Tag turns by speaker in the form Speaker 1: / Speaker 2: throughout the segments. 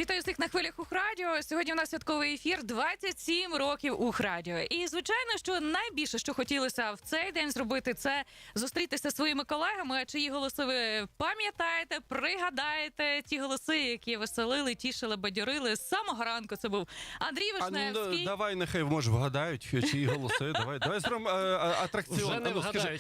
Speaker 1: Вітаю всіх на хвилях Ухрадіо. Сьогодні у нас святковий ефір 27 років Ухрадіо. І, звичайно, що найбільше, що хотілося в цей день зробити, це зустрітися зі своїми колегами, чиї голоси ви пам'ятаєте, пригадаєте, ті голоси, які веселили, тішили, бадьорили. З самого ранку це був Андрій Вишневський.
Speaker 2: Ну, давай, нехай, може, вгадають, чиї голоси. Давай зробимо атракціон.
Speaker 3: Вже не вгадають.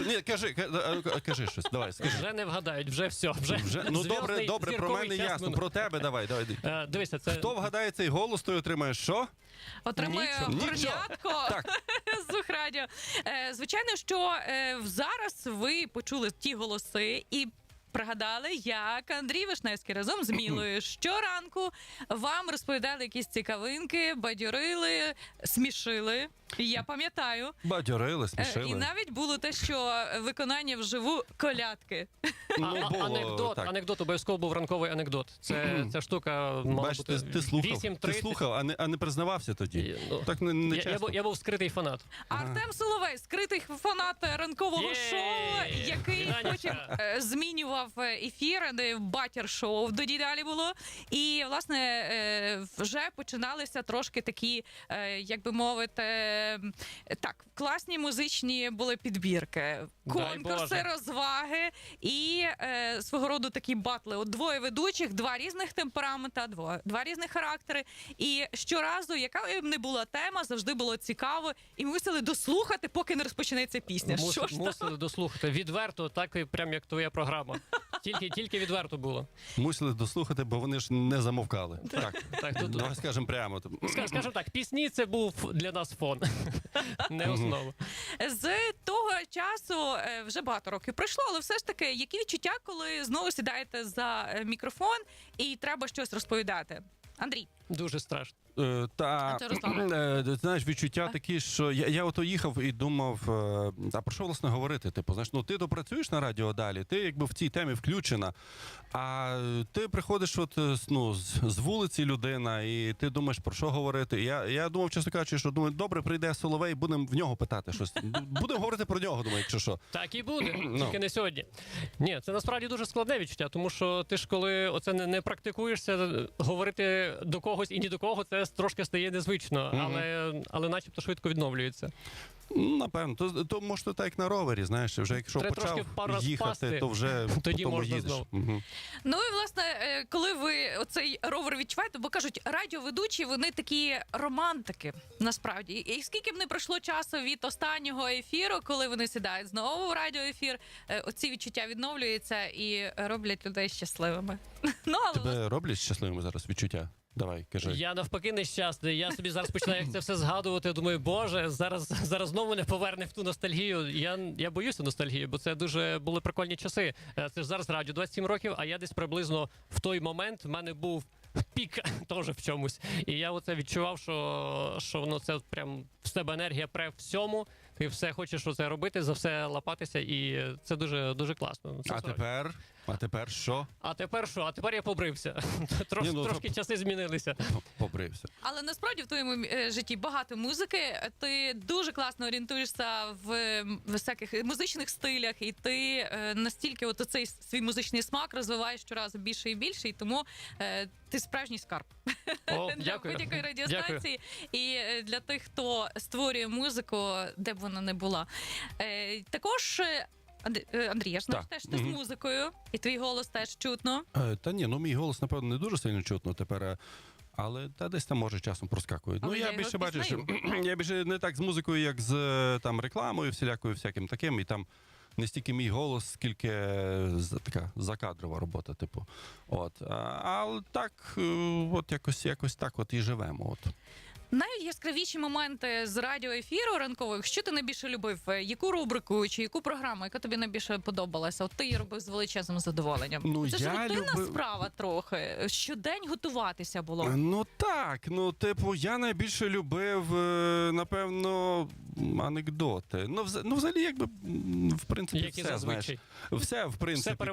Speaker 2: Кажи щось, давай, скажи.
Speaker 3: Вже не вгадають, вже все.
Speaker 2: Ну, добре, про мене ясно, про тебе давай.
Speaker 3: Дивися, це...
Speaker 2: Хто вгадає цей голос, той отримає що?
Speaker 1: Отримує горнятко з Ухрадіо. Звичайно, що зараз ви почули ті голоси і пригадали, як Андрій Вишневський разом з Мілою щоранку вам розповідали якісь цікавинки, бадьорили, смішили. Я пам'ятаю.
Speaker 2: Бадьорили, смішили.
Speaker 1: І навіть було те, що виконання вживу колядки.
Speaker 3: Анекдот, обов'язково був ранковий анекдот. Ця штука мала бути
Speaker 2: ти
Speaker 3: 8:30.
Speaker 2: слухав, а не признавався тоді. Так не чесно.
Speaker 3: Я був скритий фанат.
Speaker 1: Артем Соловей, скритий фанат ранкового шоу, який потім змінював ефір, де батір-шоу тоді далі було. І, власне, вже починалися трошки такі, як би мовити, так, класні музичні були підбірки, конкурси, розваги і свого роду такі батли. От двоє ведучих, два різних темперамента, два різних характери. І щоразу, яка б не була тема, завжди було цікаво. І ми мусили дослухати, поки не розпочнеться пісня.
Speaker 3: Мусили дослухати. Відверто, так і прям як твоя програма. Тільки відверто було.
Speaker 2: Мусили дослухати, бо вони ж не замовкали. Так, давай скажемо прямо.
Speaker 3: Скажемо так, пісні це був для нас фон, не основа.
Speaker 1: З того часу вже багато років пройшло, але все ж таки, які відчуття, коли знову сідаєте за мікрофон і треба щось розповідати? Андрій.
Speaker 3: Дуже страшно.
Speaker 2: Знаєш, відчуття такі, що я ото їхав і думав, а про що, власне, говорити? Типу, знаєш, ну ти то працюєш на радіо далі, ти якби в цій темі включена, а ти приходиш от, ну, з вулиці людина, і ти думаєш, про що говорити. Я думав, чесно кажучи, що думаю, добре, прийде Соловей, будемо в нього питати щось. Будемо говорити про нього, думаю, якщо що.
Speaker 3: Так і буде, тільки не сьогодні. Ні, це насправді дуже складне відчуття, тому що ти ж коли оце не практикуєшся, говорити до когось і ні до кого, це трошки стає незвично, але начебто швидко відновлюється.
Speaker 2: Напевно, то може так як на ровері, знаєш, вже якщо почав їхати, то вже
Speaker 3: тоді можна знову.
Speaker 1: Ну і, власне, коли ви оцей ровер відчуваєте, бо кажуть, радіоведучі, вони такі романтики, насправді. І скільки б не пройшло часу від останнього ефіру, коли вони сідають знову в радіоефір, оці відчуття відновлюються і роблять людей щасливими.
Speaker 2: Тебе роблять щасливими зараз відчуття? Давай, кажи.
Speaker 3: Я навпаки нещасний. Я собі зараз починаю як це все згадувати. Думаю, боже, зараз знову не поверне в ту ностальгію. Я боюся ностальгії, бо це дуже були прикольні часи. Це ж зараз радіо 27 років, а я десь приблизно в той момент в мене був пік теж в чомусь. І я оце відчував, що воно це прям в себе енергія пре всьому. Ти все хочеш оце робити, за все лапатися, і це дуже, дуже класно. Це
Speaker 2: А тепер що?
Speaker 3: А тепер що? А тепер я побрився. Трошки часи змінилися.
Speaker 2: Побрився.
Speaker 1: Але насправді в твоєму житті багато музики. Ти дуже класно орієнтуєшся в всяких музичних стилях, і ти настільки от цей свій музичний смак розвиваєш щоразу більше і більше, і тому ти справжній скарб для будь-якої радіостанції і для тих, хто створює музику, де б вона не була. Також Андрій, я ж знаю, теж ти з музикою, і твій голос теж чутно.
Speaker 2: Та ні, ну мій голос, напевно, не дуже сильно чутно тепер, але десь там може часом проскакує. Ну, я більше бачиш, я більше не так з музикою, як з там рекламою, всяким таким, і там не стільки мій голос, скільки така закадрова робота, типу. От. Але так, от якось так от і живемо. От.
Speaker 1: Найяскравіші моменти з радіоефіру ранкових, що ти найбільше любив? Яку рубрику чи яку програму, яка тобі найбільше подобалася? От ти її робив з величезним задоволенням.
Speaker 2: Ну,
Speaker 1: це ж рутинна справа трохи. Щодень готуватися було.
Speaker 2: Ну так, типу, я найбільше любив, напевно, анекдоти. Ну, взагалі, якби, в принципі,
Speaker 3: як
Speaker 2: все, знаєш. Все, в принципі,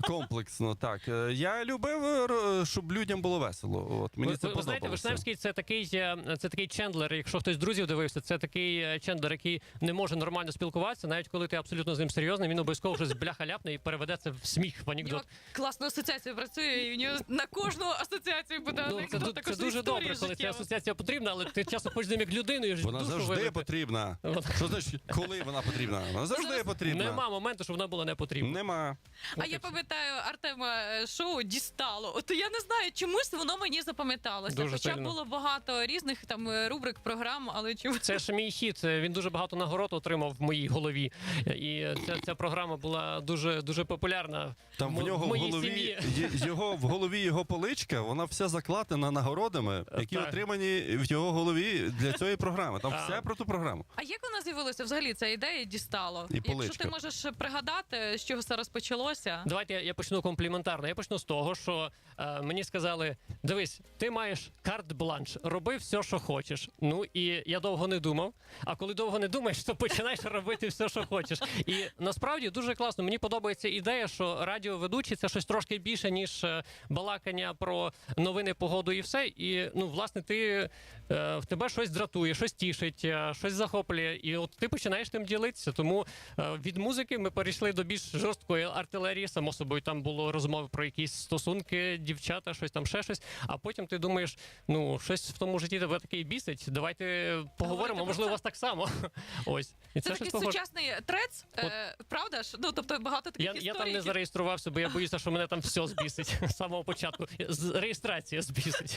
Speaker 2: комплексно, так. Я любив, щоб людям було весело. От, мені це подобалося.
Speaker 3: Знаєте, Вишневський – це такий такий Чендлер, якщо хтось з друзів дивився, це такий Чендлер, який не може нормально спілкуватися, навіть коли ти абсолютно з ним серйозний, він обов'язково щось бляха ляпне і переведе це в сміх, в
Speaker 1: У нього
Speaker 3: анекдот.
Speaker 1: класна асоціація працює, і в нього на кожну асоціацію буде
Speaker 3: Ну,
Speaker 1: анекдот.
Speaker 3: це дуже добре, коли ця асоціація потрібна, але ти часто хочеш з ним як людиною.
Speaker 2: Вона
Speaker 3: душу
Speaker 2: завжди
Speaker 3: вилити.
Speaker 2: потрібна. Що значить, коли вона потрібна? Вона завжди потрібна.
Speaker 3: Нема моменту, щоб вона була не потрібна.
Speaker 2: Нема.
Speaker 1: А я пам'ятаю Артема шоу «Дістало». От я не знаю, чомусь воно мені запам'яталося.
Speaker 3: Дуже
Speaker 1: Хоча
Speaker 3: сильно.
Speaker 1: було багато різних там рубрик, програм, але чомусь...
Speaker 3: Це ж мій хіт. Він дуже багато нагород отримав в моїй голові. І ця програма була дуже популярна
Speaker 2: Там в нього
Speaker 3: моїй сім'ї.
Speaker 2: в голові його поличка, вона вся закладена нагородами, які
Speaker 3: Так.
Speaker 2: отримані в його голові для цієї програми. Там все про ту програму.
Speaker 1: А як вона з'явилася взагалі, ця ідея «Дістало»?
Speaker 2: І
Speaker 1: Якщо
Speaker 2: поличка.
Speaker 1: ти можеш пригадати, з чого це розпочалося?
Speaker 3: Давайте я почну компліментарно. Я почну з того, що мені сказали: дивись, ти маєш карт-бланш, роби все, що хочеш. Ну і я довго не думав. А коли довго не думаєш, то починаєш робити все, що хочеш. І насправді дуже класно. Мені подобається ідея, що радіоведучий – це щось трошки більше, ніж балакання про новини, погоду і все. І ну, власне, в тебе щось дратує, щось тішить, щось захоплює. І от ти починаєш тим ділитися. Тому від музики ми перейшли до більш жорсткої артилерії. Само собою, там було розмови про якісь стосунки, дівчата, щось там, ще щось. А потім ти думаєш, ну, щось в тому житті тебе таке бісить. Давайте поговоримо,
Speaker 1: про
Speaker 3: можливо,
Speaker 1: це.
Speaker 3: у вас так само. Ось. І
Speaker 1: Це
Speaker 3: щось
Speaker 1: такий
Speaker 3: похоже.
Speaker 1: сучасний трец, правда ж? Ну, тобто багато таких історій.
Speaker 3: Я там не зареєструвався, бо я боюся, що мене там все збісить з самого початку. Реєстрація збісить.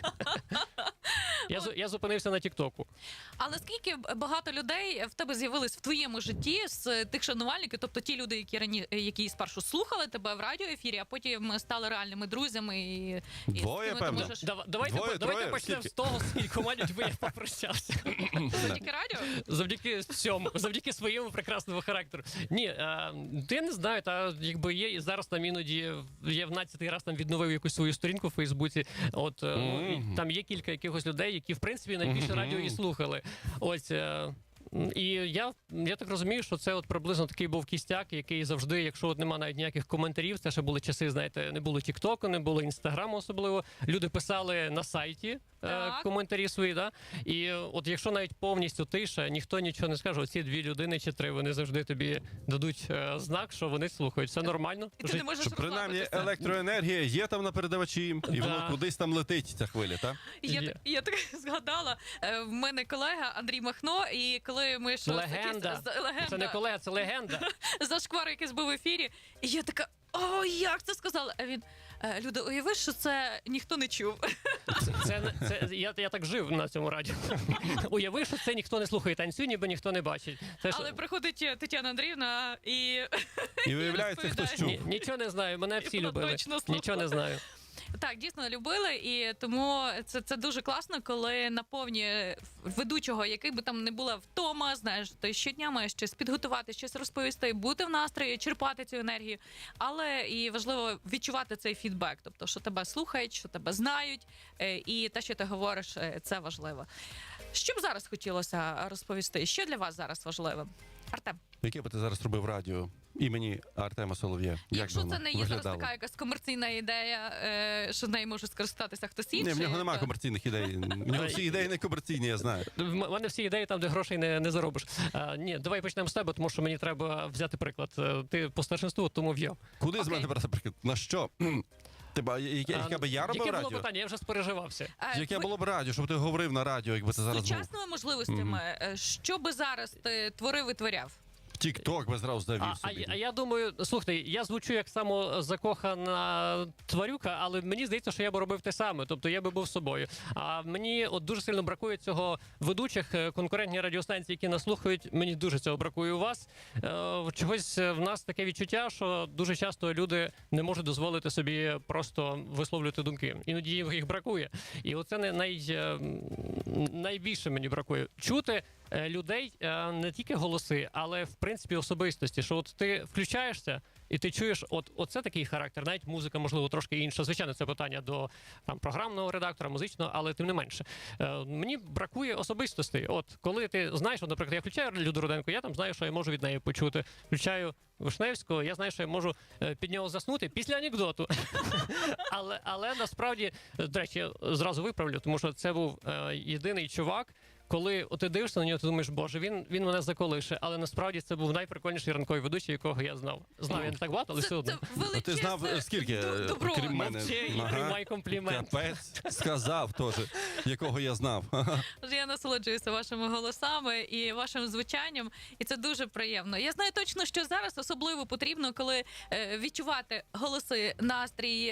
Speaker 3: Я зупинився на Тіктоку.
Speaker 1: Але скільки багато людей в тебе з'явилось в твоєму житті з тих шанувальників, тобто ті люди, які спершу слухали тебе в радіоефірі, а потім стали реальними друзями і
Speaker 2: Двоє,
Speaker 1: з ким ти
Speaker 2: певно.
Speaker 1: можеш...
Speaker 3: Давайте
Speaker 2: троє,
Speaker 3: почнемо
Speaker 2: скільки?
Speaker 3: з того, з кількома людьми я попрощався.
Speaker 1: Завдяки радіо?
Speaker 3: Завдяки цьому, завдяки своєму прекрасному характеру. Ні, я не знаю, та якби є і зараз там іноді я в 12-й раз там відновив якусь свою сторінку в Фейсбуці. От і там є кілька якихось людей, які в принципі найбільше радіо і слухали. Ось. І я так розумію, що це от приблизно такий був кістяк, який завжди, якщо от нема навіть ніяких коментарів, це ще були часи, знаєте, не було Тіктоку, не було Інстаграму особливо. Люди писали на сайті коментарі свої, да? І от якщо навіть повністю тиша, ніхто нічого не скаже, оці 2 людини чи 3, вони завжди тобі дадуть знак, що вони слухають. Все нормально.
Speaker 1: І ти не можеш
Speaker 2: Що принаймні
Speaker 1: розслабитися.
Speaker 2: електроенергія є там на передавачі, і воно кудись там летить, ця хвиля, так?
Speaker 1: Я так згадала, в мене колега Андрій Махно, і коли ми щось...
Speaker 3: Легенда. Це не колега, це легенда.
Speaker 1: Зашквар якийсь був в ефірі, і я така, о, як це сказала? А він, Люда, уяви, що це ніхто не чув.
Speaker 3: Я так жив на цьому радіо. Уяви, що це ніхто не слухає, танцює, ніби ніхто не бачить.
Speaker 1: Але приходить Тетяна Андріївна і...
Speaker 2: І виявляється, хтось чув.
Speaker 3: Нічого не знаю, мене всі
Speaker 1: вона
Speaker 3: любили.
Speaker 1: точно слухала.
Speaker 3: Нічого не знаю.
Speaker 1: Так, дійсно любили, і тому це дуже класно, коли наповнює ведучого, який би там не була втома, знаєш, ти щодня маєш щось підготувати, щось розповісти, бути в настрої, черпати цю енергію, але і важливо відчувати цей фідбек, тобто, що тебе слухають, що тебе знають, і те, що ти говориш, це важливо. Що б зараз хотілося розповісти? Що для вас зараз важливо? Артем?
Speaker 2: Яке би ти зараз робив радіо імені Артема Солов'я? Як
Speaker 1: Якщо
Speaker 2: би
Speaker 1: це
Speaker 2: воно
Speaker 1: не є зараз
Speaker 2: виглядало?
Speaker 1: така якась комерційна ідея, що нею може скористатися хтось інший.
Speaker 2: Ні, в нього немає
Speaker 1: то-
Speaker 2: комерційних ідей. В нього всі ідеї не комерційні, я знаю.
Speaker 3: В мене всі ідеї там, де грошей не заробиш. Ні, давай почнемо з тебе, тому що мені треба взяти приклад. Ти по старшинству, тому в'їв.
Speaker 2: Куди з
Speaker 1: Окей.
Speaker 2: мене брати приклад? На що? Яке би я робив
Speaker 3: Яке було
Speaker 2: радіо?
Speaker 3: питання? Я вже спереживався.
Speaker 2: Яке було б радіо, щоб ти говорив на радіо, якби це зараз був?
Speaker 1: Сучасними можливостями, що би зараз ти творив і творяв?
Speaker 2: Тік-ток би зразу завів собі.
Speaker 3: А я думаю, слухайте, я звучу як самозакохана тварюка, але мені здається, що я би робив те саме. Тобто я би був собою. А мені от дуже сильно бракує цього ведучих конкурентні радіостанції, які нас слухають. Мені дуже цього бракує у вас. Чогось в нас таке відчуття, що дуже часто люди не можуть дозволити собі просто висловлювати думки. Іноді їх бракує. І оце найбільше мені бракує. Чути людей не тільки голоси, але в принципі особистості. Що от ти включаєшся і ти чуєш, оце такий характер, навіть музика, можливо, трошки інша. Звичайно, це питання до там програмного редактора, музичного, але тим не менше. Мені бракує особистостей. От коли ти знаєш, от, наприклад, я включаю Люду Руденко, я там знаю, що я можу від неї почути. Включаю Вишневського, я знаю, що я можу під нього заснути після анекдоту. але насправді, до речі, я зразу виправлю, тому що це був єдиний чувак, коли ти дивишся на нього, ти думаєш, боже, він мене заколише, але насправді це був найприкольніший ранковий ведучий, якого я знав. Знав я не так багато, але все одно.
Speaker 2: А ти знав, скільки,
Speaker 1: добро.
Speaker 2: крім мене?
Speaker 3: Мовчи і приймай комплімент.
Speaker 2: Капець, сказав теж, якого я знав.
Speaker 1: Я насолоджуюся вашими голосами і вашим звучанням, і це дуже приємно. Я знаю точно, що зараз особливо потрібно, коли відчувати голоси, настрій,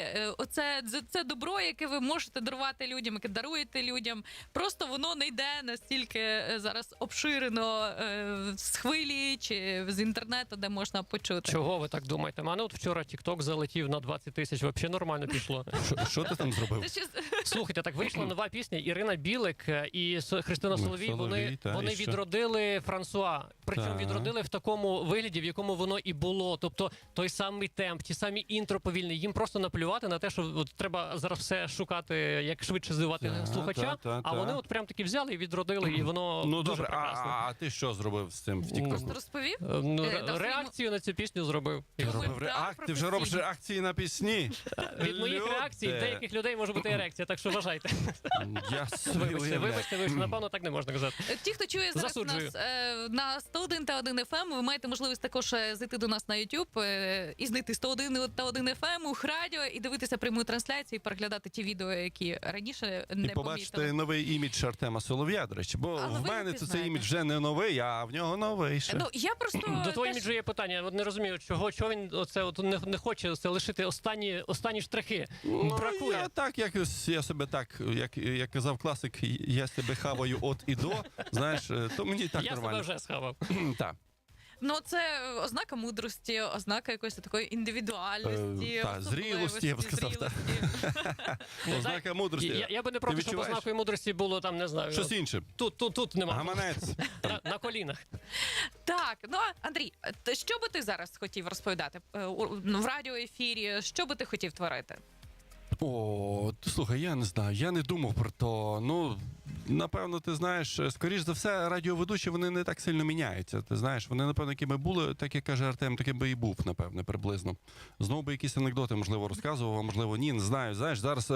Speaker 1: це добро, яке ви можете дарувати людям, яке даруєте людям. Просто воно не йде настільки зараз обширено з хвилі чи з інтернету, де можна почути.
Speaker 3: Чого ви так думаєте? У мене от вчора TikTok залетів на 20 тисяч, взагалі нормально пішло.
Speaker 2: Що ти там зробив?
Speaker 3: Слухайте, так вийшла нова пісня. Ірина Білик і Христина Соловій, вони
Speaker 2: і що?
Speaker 3: відродили Франсуа. Причому
Speaker 2: Так.
Speaker 3: відродили в такому вигляді, в якому воно і було. Тобто той самий темп, ті самі інтро повільні. Їм просто наплювати на те, що от треба зараз все шукати, як швидше здивувати слухача. А вони от прям таки взяли і відродили, і воно
Speaker 2: Ну
Speaker 3: дуже
Speaker 2: добре,
Speaker 3: прекрасно.
Speaker 2: а ти що зробив з цим в
Speaker 1: Просто
Speaker 2: TikTok?
Speaker 1: розповів?
Speaker 3: Реакцію на цю пісню зробив.
Speaker 2: Ти вже робиш реакції на пісні?
Speaker 3: Від моїх реакцій деяких людей може бути ерекція, так що вважайте.
Speaker 2: Я
Speaker 3: Вибачте, напевно, так не можна казати.
Speaker 1: Ті, хто чує зараз
Speaker 3: Засуджую.
Speaker 1: нас на 101 та 1 FM, ви маєте можливість також зайти до нас на YouTube і знайти 101 та 1 FM, Ух Радіо, і дивитися пряму трансляцію, і переглядати ті відео, які раніше не
Speaker 2: І побачити
Speaker 1: помітили.
Speaker 2: новий імідж Артема Солов'я, до речі. Бо
Speaker 1: Але
Speaker 2: в
Speaker 1: ви
Speaker 2: мене
Speaker 1: не
Speaker 2: цей
Speaker 1: знаєте.
Speaker 2: імідж вже не новий, а в нього новий ще.
Speaker 1: Ну, я просто
Speaker 3: До твого
Speaker 1: теж-
Speaker 3: іміджу є питання. От не розумію, чого він не хоче це лишити останні штрихи. Бракує.
Speaker 2: Я так, я себе так, як казав класик, я себе хаваю от і до, знаєш, то мені так
Speaker 3: Я себе
Speaker 2: нормально.
Speaker 3: вже схавав.
Speaker 2: Так.
Speaker 1: Ну, це ознака мудрості, ознака якоїсь такої індивідуальності,
Speaker 2: зрілості, я б сказав, так. Ознака мудрості.
Speaker 3: Я би не проти, щоб
Speaker 2: відчуваєш?
Speaker 3: ознакою мудрості було там, не знаю.
Speaker 2: Щось інше.
Speaker 3: Тут нема.
Speaker 2: Гаманець.
Speaker 3: На колінах.
Speaker 1: Так, ну, Андрій, що би ти зараз хотів розповідати в радіоефірі? Що би ти хотів творити?
Speaker 2: О, слухай, я не знаю, я не думав про то. Ну, напевно, ти знаєш, скоріш за все, радіоведучі, вони не так сильно міняються. Ти знаєш, вони, напевно, якими були, так як каже Артем, таким би і був, напевне, приблизно. Знову би якісь анекдоти, можливо, розказував, а можливо, ні, не знаю. Знаєш, зараз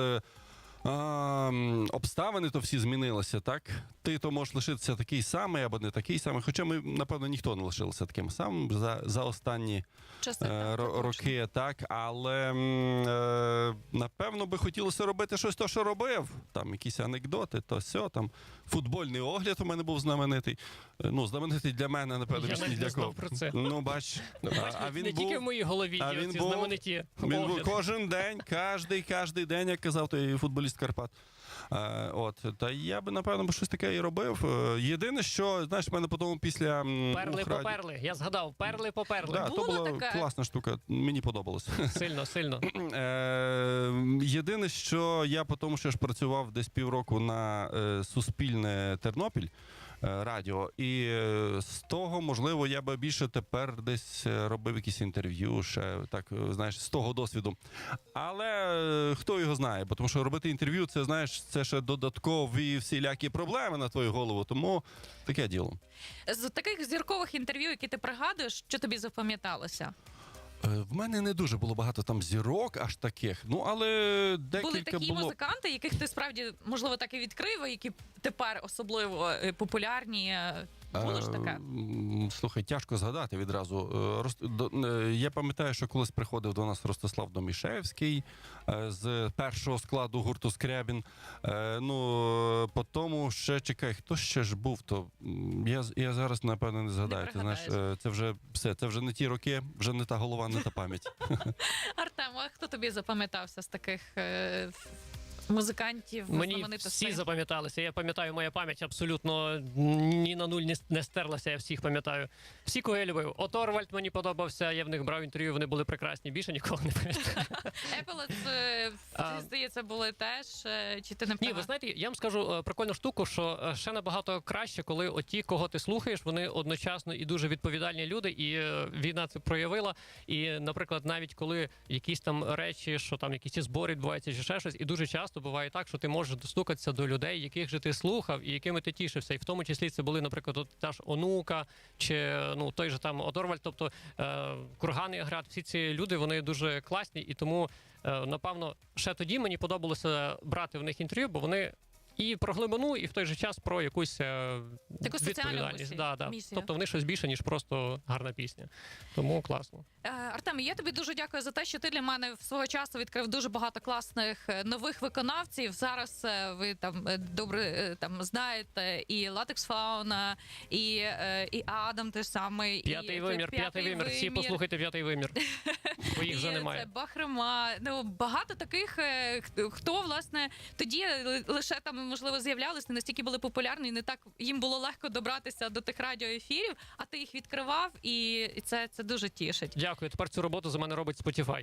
Speaker 2: обставини то всі змінилися, так? Ти то можеш лишитися такий самий або не такий самий, хоча ми, напевно, ніхто не лишився таким самим за останні
Speaker 1: Часи,
Speaker 2: роки, так, але напевно би хотілося робити щось то, що робив. Там якісь анекдоти, то сьо, там футбольний огляд у мене був знаменитий. Ну, знаменитий для мене, напевно,
Speaker 3: Я
Speaker 2: більш ні
Speaker 3: навіть
Speaker 2: для
Speaker 3: не знав
Speaker 2: кого.
Speaker 3: про це.
Speaker 2: Ну, бач. А він
Speaker 3: не тільки в моїй голові
Speaker 2: а
Speaker 3: є
Speaker 2: він
Speaker 3: ці
Speaker 2: був-
Speaker 3: знамениті
Speaker 2: Він був
Speaker 3: огляди.
Speaker 2: кожен день, кожний день, як казав той футболіст Карпат. Та я би, напевно, щось таке і робив. Єдине, що, знаєш, в мене потім після
Speaker 3: Перли
Speaker 2: Ухраді-
Speaker 3: поперли. Я згадав, перли поперли.
Speaker 2: Да, то
Speaker 1: Була
Speaker 2: була
Speaker 1: така?
Speaker 2: класна штука, мені подобалось.
Speaker 3: Сильно.
Speaker 2: Єдине, що я потім ще ж працював десь півроку на Суспільне Тернопіль радіо, і з того, можливо, я би більше тепер десь робив якісь інтерв'ю, ще так, знаєш, з того досвіду. Але хто його знає, бо тому що робити інтерв'ю, це, знаєш, це ще додаткові всілякі проблеми на твою голову, тому таке діло.
Speaker 1: З таких зіркових інтерв'ю, які ти пригадуєш, що тобі запам'яталося?
Speaker 2: В мене не дуже було багато там зірок, аж таких. Ну, але
Speaker 1: Були
Speaker 2: декілька
Speaker 1: такі
Speaker 2: було.
Speaker 1: музиканти, яких ти справді, можливо, так і відкрив, і які тепер особливо популярні. Було ж таке?
Speaker 2: Слухай, тяжко згадати відразу. Я пам'ятаю, що колись приходив до нас Ростислав Домішевський з першого складу гурту Скрябін. Ну, по тому ще, чекай, хто ще ж був, то я зараз, напевно, не згадаю. Ти знаєш, це вже все, це вже не ті роки, вже не та голова, не та пам'ять.
Speaker 1: Артем, а хто тобі запам'ятався з таких музикантів,
Speaker 3: Мені
Speaker 1: знаменитостей?
Speaker 3: всі запам'яталися. Я пам'ятаю, моя пам'ять абсолютно ні на нуль не стерлася, я всіх пам'ятаю. Всі, кого я любив. Оторвальд мені подобався, я в них брав інтерв'ю, вони були прекрасні. Більше нікого не пам'ятаю.
Speaker 1: Еполет Ти, здається, були теж, чи ти не
Speaker 3: Ні,
Speaker 1: права?
Speaker 3: ви знаєте, я вам скажу прикольну штуку, що ще набагато краще, коли оті, кого ти слухаєш, вони одночасно і дуже відповідальні люди, і війна це проявила. І, наприклад, навіть коли якісь там речі, що там якісь збори відбуваються чи ще щось, і дуже часто буває так, що ти можеш достукатися до людей, яких же ти слухав і якими ти тішився. І в тому числі це були, наприклад, от та ж Онука, чи той же там Одорвальд, тобто Курган і Аград, всі ці люди, вони дуже класні, і тому напевно, ще тоді мені подобалося брати в них інтерв'ю, бо вони і про глибину, і в той же час про якусь відповідальність.
Speaker 1: Місію.
Speaker 3: Тобто вони щось більше, ніж просто гарна пісня. Тому класно.
Speaker 1: Артем, я тобі дуже дякую за те, що ти для мене свого часу відкрив дуже багато класних нових виконавців. Зараз ви там добре там знаєте і Латекс Фауна, і Адам теж самий.
Speaker 3: П'ятий вимір. Всі послухайте «П'ятий вимір». Бо їх вже немає.
Speaker 1: Це Бахрема. Багато таких, хто, власне, тоді лише там, можливо, з'являлися, не настільки були популярні, не так їм було легко добратися до тих радіоефірів, а ти їх відкривав, і це дуже тішить.
Speaker 3: Дякую. Тепер цю роботу за мене робить Spotify.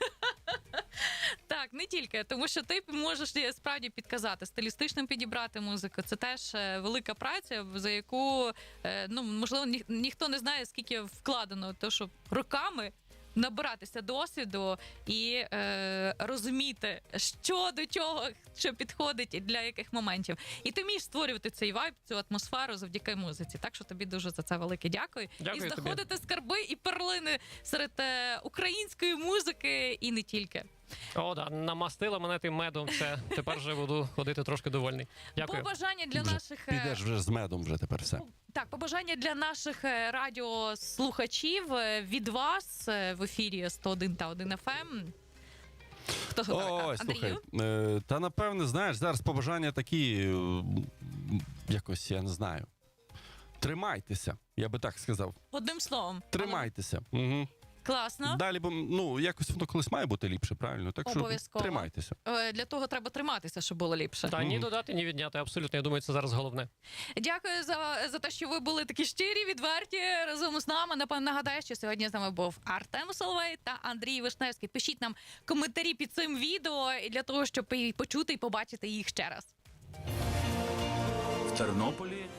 Speaker 1: Так, не тільки, тому що ти можеш справді підказати, стилістично підібрати музику. Це теж велика праця, за яку, можливо, ніхто не знає, скільки вкладено, то що роками набиратися досвіду і розуміти, що до чого, що підходить для яких моментів. І ти вмієш створювати цей вайб, цю атмосферу завдяки музиці. Так що тобі дуже за це велике дякую.
Speaker 3: Дякую
Speaker 1: і знаходити
Speaker 3: тобі.
Speaker 1: скарби і перлини серед української музики і не тільки.
Speaker 3: О, да, намастила мене тим медом, все. Тепер вже буду ходити трошки довольний. Дякую.
Speaker 1: Побажання для наших...
Speaker 2: Підеш вже з медом вже тепер все.
Speaker 1: Так, побажання для наших радіослухачів від вас в ефірі 101 та 1 FM. Хто
Speaker 2: Ой, слухай, та напевне, знаєш, зараз побажання такі, якось, я не знаю. Тримайтеся, я би так сказав.
Speaker 1: Одним словом.
Speaker 2: Тримайтеся. Угу.
Speaker 1: Класно.
Speaker 2: Далі, бо якось воно колись має бути ліпше, правильно? Так що
Speaker 1: Обов'язково.
Speaker 2: тримайтеся.
Speaker 1: Для того треба триматися, щоб було ліпше.
Speaker 3: Та ні додати, ні відняти, абсолютно. Я думаю, це зараз головне.
Speaker 1: Дякую за те, що ви були такі щирі, відверті разом з нами. Напевно, нагадаю, що сьогодні з нами був Артем Соловей та Андрій Вишневський. Пишіть нам коментарі під цим відео для того, щоб почути і побачити їх ще раз.
Speaker 4: В Тернополі